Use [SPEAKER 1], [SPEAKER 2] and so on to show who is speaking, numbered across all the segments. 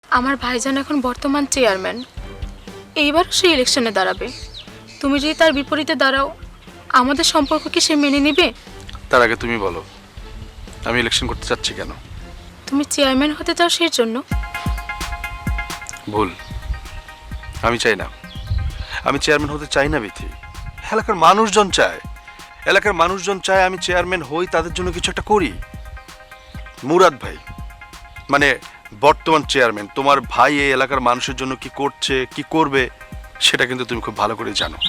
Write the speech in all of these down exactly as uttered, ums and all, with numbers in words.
[SPEAKER 1] আমার ভাইজান এখন বর্তমান চেয়ারম্যান, এইবার সে ইলেকশনে দাঁড়াবে। তুমি যদি তার বিপরীতে দাঁড়াও, আমাদের সম্পর্ক কি সে মেনে নেবে?
[SPEAKER 2] তার আগে তুমি বলো, আমি ইলেকশন করতে চাচ্ছি কেন?
[SPEAKER 1] তুমি চেয়ারম্যান হতে চাও সেই জন্য?
[SPEAKER 2] ভুল, আমি চাই না। আমি চেয়ারম্যান হতে চাই না বিথি। এলাকার মানুষজন চায়, এলাকার মানুষজন চায় আমি চেয়ারম্যান হই, তাদের জন্য কিছু একটা করি। মুরাদ ভাই মানে বর্তমান চেয়ারম্যান, তোমার ভাই এই এলাকার মানুষের জন্য কি করছে কি করবে সেটা কিন্তু তুমি খুব ভালো করে জানো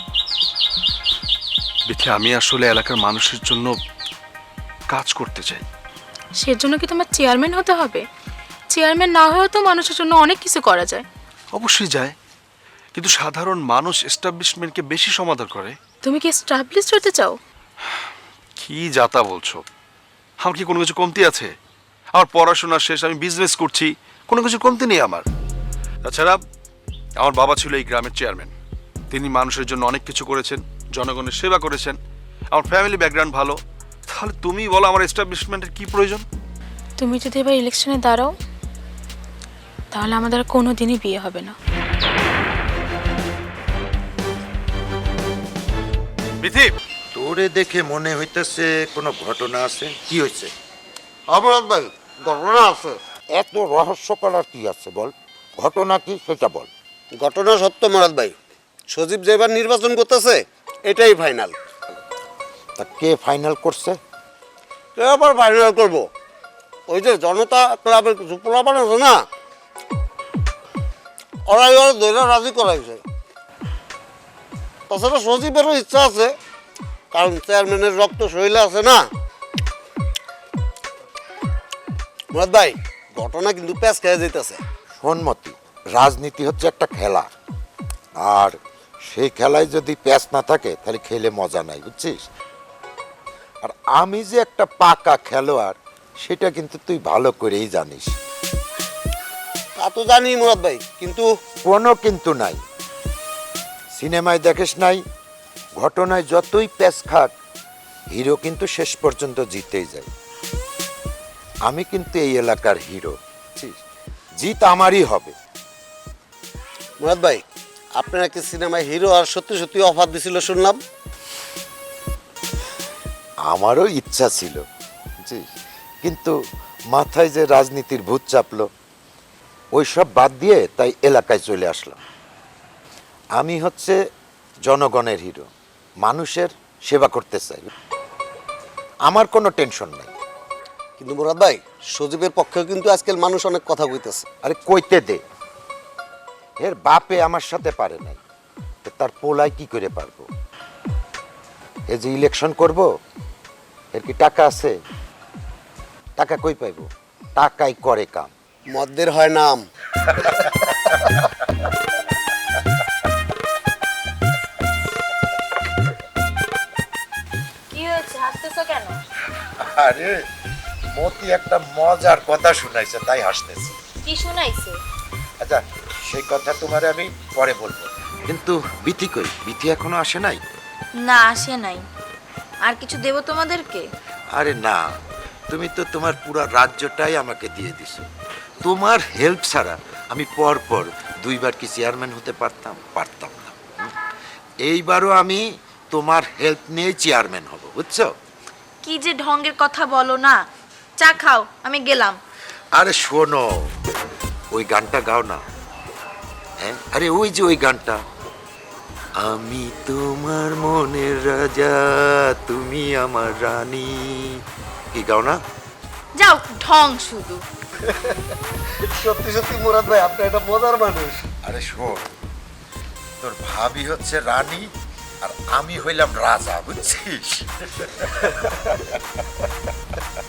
[SPEAKER 2] বিথি। আমি আসলে এলাকার মানুষের জন্য কাজ করতে চাই।
[SPEAKER 1] সেজন্য কি তোমার চেয়ারম্যান হতে হবে? চেয়ারম্যান না হয়েও তো মানুষের জন্য অনেক কিছু করা যায়।
[SPEAKER 2] অবশ্যই যায়, কিন্তু সাধারণ মানুষ এস্টাবলিশমেন্টকে বেশি সমাদর করে।
[SPEAKER 1] তুমি কি এস্টাবলিশড হতে চাও?
[SPEAKER 2] কি যাতা বলছো? আমার কি কোনো কিছু কমতি আছে? আমার পড়াশোনা শেষ, আমি বিজনেস করছি, কোনো কিছু কমতি নেই আমার। তাছাড়া আমার বাবা ছিল এই গ্রামের চেয়ারম্যান, তিনি মানুষের জন্য অনেক কিছু করেছেন, জনগণের সেবা করেছেন। আমার ফ্যামিলি ব্যাকগ্রাউন্ড ভালো। তাহলে তুমি বলো আমার এস্টাবলিশমেন্টের কি প্রয়োজন?
[SPEAKER 1] তুমি যদি এবার ইলেকশনে দাঁড়াও, তাহলে আমাদের আর কোনো দিনই বিয়ে হবে না।
[SPEAKER 2] বিথি,
[SPEAKER 3] তোরে দেখে মনে হইতেছে কোনো ঘটনা আছে। কি হয়েছে?
[SPEAKER 4] অমরাত ভাই, ঘটনা আছে।
[SPEAKER 3] এত রহস্য করার কি আছে বল, ঘটনা কি সেটা বল।
[SPEAKER 4] ঘটনা সত্য মরাদ ভাই, সজীব যেবার নির্বাচন করতেছে এটাই ফাইনাল।
[SPEAKER 3] তা কে ফাইনাল করছে?
[SPEAKER 4] কে আবার ফাইনাল করবো? ওই যে জনতা ক্লাবের কিছু পোলাপান আছে না, ওরাই ওরা দৈরা রাজি করাইছে। তাছাড়া সজীবেরও ইচ্ছা আছে, কারণ চেয়ারম্যানের রক্ত শরীরে আছে না। মুরাদ ভাই, ঘটনা কিন্তু প্যাঁচ খেয়ে যেতেছে।
[SPEAKER 3] সন্মতি, রাজনীতি হচ্ছে একটা খেলা, আর সেই খেলায় যদি প্যাচ না থাকে তাহলে খেলে মজা নাই, বুঝছিস? আর আমি যে একটা পাকা খেলোয়াড় সেটা কিন্তু তুই ভালো করেই জানিস।
[SPEAKER 4] তা তো জানি মুরাদ ভাই, কিন্তু
[SPEAKER 3] কোনো কিন্তু নাই। সিনেমায় দেখিস নাই, ঘটনায় যতই প্যাচ খাক হিরো কিন্তু শেষ পর্যন্ত জিতেই যায়। আমি কিন্তু এই এলাকার হিরো, বুঝছিস? জিত আমারই হবে।
[SPEAKER 4] মুরাদ ভাই, আপনারা কি সিনেমায় হিরো আর সত্যি সত্যি অফার দিছিল শুনলাম।
[SPEAKER 3] আমারও ইচ্ছা ছিল, বুঝছিস, কিন্তু মাথায় যে রাজনীতির ভূত চাপলো, ওই সব বাদ দিয়ে তাই এলাকায় চলে আসলাম। আমি হচ্ছে জনগণের হিরো, মানুষের সেবা করতে চাই, আমার কোনো টেনশন নেই।
[SPEAKER 4] কিন্তু মুরাদ ভাই, সজীবের পক্ষেও কিন্তু আজকাল মানুষ অনেক কথা কইতেছে।
[SPEAKER 3] আরে কইতে দে, এর বাপে আমার সাথে পারে নাই, তো তার পোলায় কি করে পারবো? এ যে ইলেকশন করব, এর কি টাকা আছে? টাকা কই পাইবো? টাকাই করে কাম।
[SPEAKER 4] মদ্যের হয় নাম।
[SPEAKER 1] কি হয়েছে, হাসতেছো কেন?
[SPEAKER 3] আরে মতি একটা মজার কথা শুনাইছে তাই হাসতেছি।
[SPEAKER 1] কি শোনাইছে?
[SPEAKER 3] আচ্ছা, সেই কথা তোমারে আমি পরে বলবো, কিন্তু বিথি কই? বিথি এখনো আসে নাই?
[SPEAKER 5] না, আসে নাই। আর কিছু দেব তোমাদেরকে?
[SPEAKER 3] আরে না, তুমি তো তোমার পুরো রাজ্যটাই আমাকে দিয়ে দিছো। তোমার হেল্প ছাড়া আমি পর পর দুইবার কি চেয়ারম্যান হতে পারতাম? পারতাম না। হুম? এইবারও আমি তোমার হেল্প নিয়ে চেয়ারম্যান হব, বুঝছো?
[SPEAKER 5] কি যে ঢঙ্গের কথা বলো না। চা খাও, আমি গেলাম।
[SPEAKER 3] আরে শোনো, ওই গানটা গাও না। হ্যাঁ, আরে ওই যে ওই গানটা, আমি তোমার মনের রাজা, তুমি আমার রানী, কি গাও না?
[SPEAKER 5] যাও, ঢং শুধু।
[SPEAKER 4] সত্যি সত্যি মুরাদ ভাই, আপনি একটা মজার মানুষ।
[SPEAKER 3] আরে শোন, তোর ভাবি হচ্ছে রানী আর আমি হইলাম রাজা, বুঝছিস?